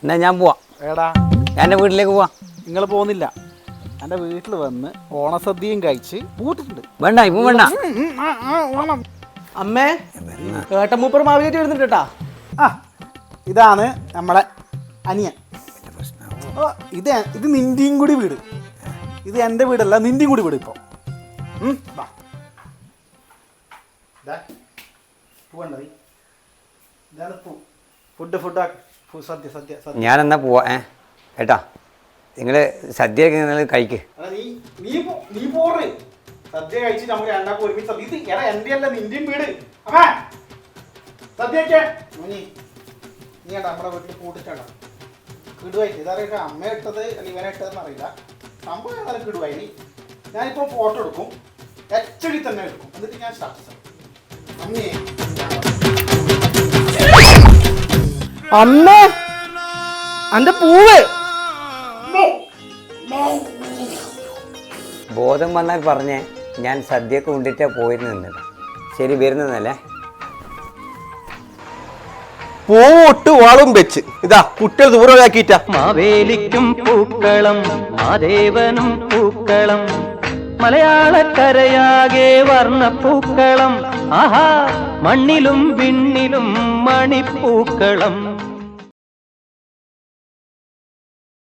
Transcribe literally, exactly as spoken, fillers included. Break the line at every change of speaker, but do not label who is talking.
എന്നാ ഞാൻ പോവാം.
എടാ
ഞാൻ എൻ്റെ വീട്ടിലേക്ക് പോവാം.
നിങ്ങൾ പോകുന്നില്ല. എൻ്റെ വീട്ടിൽ വന്ന് ഓണസദ്യയും കഴിച്ച് പൂട്ടിട്ടുണ്ട്.
വേണ്ട ഇപ്പം വേണ്ട.
അമ്മേ ഏട്ടമൂപ്പർ മാവിലേക്ക് വരുന്നുണ്ട് കേട്ടാ.
ആ ഇതാണ് നമ്മുടെ അനിയൻ. ഓ ഇത് ഇത് നിൻ്റെയും കൂടി വീട്. ഇത് എൻ്റെ വീടല്ല, നിൻ്റെയും കൂടി വീട്. ഇപ്പോൾ ഫുഡ് ഫുഡ് സദ്യ സദ്യ സദ്യ.
ഞാൻ എന്നാ പോവാ. ഏ ഏട്ടാ നിങ്ങൾ സദ്യ നിങ്ങൾ കഴിക്ക്.
നീ നീ നീ പോറേ സദ്യ കഴിച്ച് നമുക്ക് രണ്ടാക്കും ഒരുമിച്ച് സദ്യ. ഇത് എടാ എൻ്റെ അല്ല നിൻ്റെയും വീട്. അമ്മ സദ്യക്കെ നീ നീ ഏട്ടാ നമ്മുടെ വീട്ടിൽ കൂട്ടിട്ടാണ് കിടുവായിട്ട്. ഇതറിയാം അമ്മ ഇട്ടത് അല്ല ഇവനെ ഇട്ടതെന്ന് അറിയില്ല. സംഭവം ഏതായാലും കിടുവായി. നീ ഞാനിപ്പോൾ ഫോട്ടോ എടുക്കും, എച്ച് ഡി തന്നെ എടുക്കും, എന്നിട്ട് ഞാൻ സ്റ്റാറ്റസ് അമ്മേ
അമ്മ അന്റെ പൂവ്.
ബോധം വന്നാൽ പറഞ്ഞേ ഞാൻ സദ്യയൊക്കെ കൊണ്ടിട്ടാ പോയിരുന്നത്. ശരി വരുന്നതല്ലേ.
പൂട്ട് വാളും വെച്ച് ഇതാ കുട്ടികൾ ദൂരമാക്കിയിട്ട.
മാവേലിക്കും പൂക്കളം മാദേവനും പൂക്കളം മലയാളക്കരയാകെ വർണ്ണപ്പൂക്കളം. ആഹാ മണ്ണിലും വിണ്ണിലും മണിപ്പൂക്കളം.